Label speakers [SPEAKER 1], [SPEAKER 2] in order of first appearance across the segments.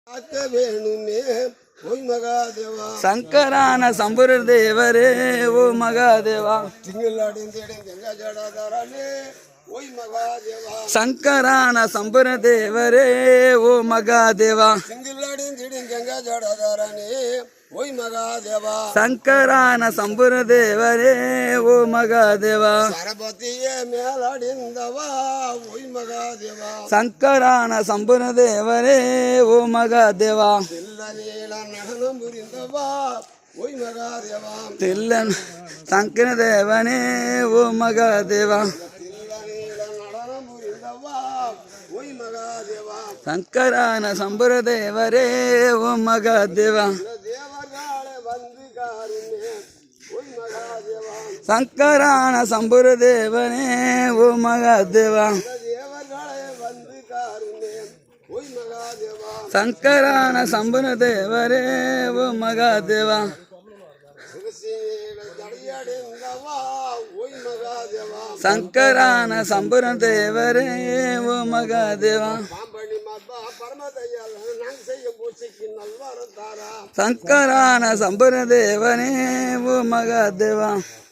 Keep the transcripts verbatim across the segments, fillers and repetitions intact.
[SPEAKER 1] ಶಂಕರನ ಸಂಬುರ ದೇವರೇ ಓ ಮಗಾದೇವ. ಶಂಕರನ ಸಂಬುರ ದೇವರೇ ಓ ಮಗಾದೇವ. ಶಂಕರನ ಸಂಬುರ ದೇವರೇ ಓ ಮಗಾದೇವ.
[SPEAKER 2] ಸರಪತಿಯ ಮೇಲಾಡಿಂದವ ಓಯ್ ಮಗಾದೇವ.
[SPEAKER 1] ಶಂಕರನ ಸಂಬುರ ದೇವರೇ ಓ ಮಗಾದೇವ.
[SPEAKER 2] ತಿಲ್ಲ ನೀಳ ನಡನ ಮುರಿಂದವ ಓಯ್ ಮಗಾದೇವ.
[SPEAKER 1] ತಿಲ್ಲ ಶಂಕರ ದೇವನೇ ಓ ಮಗಾದೇವ.
[SPEAKER 2] ತಿಲ್ಲ ನೀಳ ನಡನ ಮುರಿಂದವ ಓಯ್ ಮಗಾದೇವ.
[SPEAKER 1] ಶಂಕರನ ಸಂಬುರ ದೇವರೇ ಓ ಮಗಾದೇವ. ಶಂಕರನ ಸಂಬುರ ದೇವನೇ ಓ ಮಗಾದೇವ. ಶಂಕರನ ಸಂಬುರ ದೇವರೇ ಓ ಮಗಾದೇವ. ಶಂಕರನ ಸಂಬುರ ದೇವರೇ ಓ ಮಗಾದೇವ. ಶಂಕರನ ಸಂಬುರ ದೇವನೇ ಓ ಮಗಾದೇವ.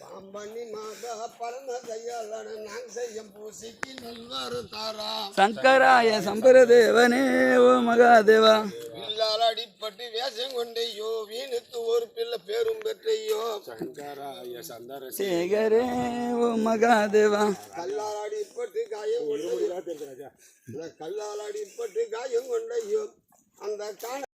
[SPEAKER 1] ಶಂಕರಾಯ ಸಂಬುರ ದೇವನೇ ಓ ಮಗಾದೇವ.
[SPEAKER 2] அடிப்பட்டு வேஷம் கொண்டையோ வீணுத்து ஒரு பிள்ளை பேரும் பெற்றையோ. சங்கராய சந்தர
[SPEAKER 1] சேகரே ஓ மகாதேவ.
[SPEAKER 2] கல்லால் அடிப்பட்டு காயம் கொண்டையோ கல்லால் அடிப்பட்டு காயம் கொண்டையோ அந்த